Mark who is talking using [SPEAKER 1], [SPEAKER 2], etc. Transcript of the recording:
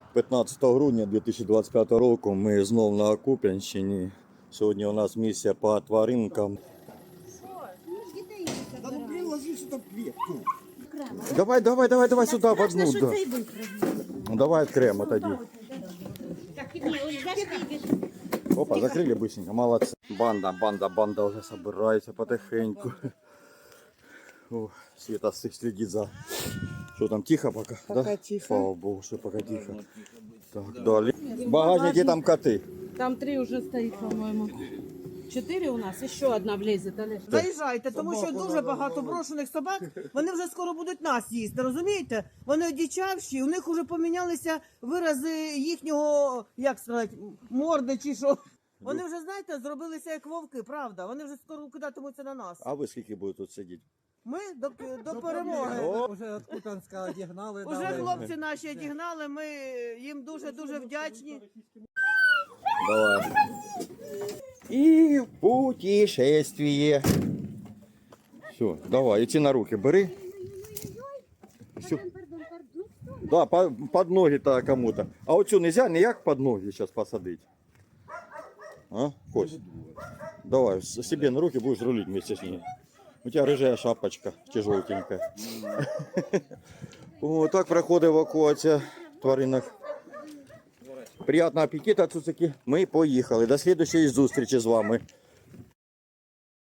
[SPEAKER 1] 15 грудня 2025 року ми знов на Куп'янщині. Сьогодні у нас місія по тваринкам.
[SPEAKER 2] Да ну приложи сюда кветку.
[SPEAKER 1] Давай сюди в одну. Да. Ну, давай окремо тоді. Опа, закрыли быстренько, молодцы. Банда уже собирается потихоньку. О, Света следит за... Что там, тихо пока?
[SPEAKER 2] Пока
[SPEAKER 1] да?
[SPEAKER 2] тихо.
[SPEAKER 1] Слава богу, что пока тихо. Так, далее. В багажнике там коты.
[SPEAKER 3] Там 3 уже стоит, по-моему. 4 у нас, еще одна влезет, Олег.
[SPEAKER 4] Заїжджайте, тому що дуже багато брошених собак, вони вже скоро будуть нас їсти, розумієте? Вони одичавші, у них вже помінялися вирази їхнього, як сказати, морди чи що. Вони вже, знаєте, зробилися як вовки, правда? Вони вже скоро кидатимуться на нас.
[SPEAKER 1] А ви скільки будете тут сидіти?
[SPEAKER 4] Ми до перемоги.
[SPEAKER 2] Уже от Куп'янська одігнали.
[SPEAKER 4] Уже хлопці наші одігнали, ми їм дуже-дуже вдячні.
[SPEAKER 1] Давай. И в путешествие. Все, давай, идти на руки, бери. Все. Да, под ноги-то кому-то. А вот что, нельзя никак под ноги сейчас посадить? А, Кость? Давай, себе на руки будешь рулить вместе с ней. У тебя рыжая шапочка, тяжелтенькая. Вот так проходит эвакуация тваринок. Приятного аппетита, цуцики. Ми поїхали. До слідчої зустрічі з вами.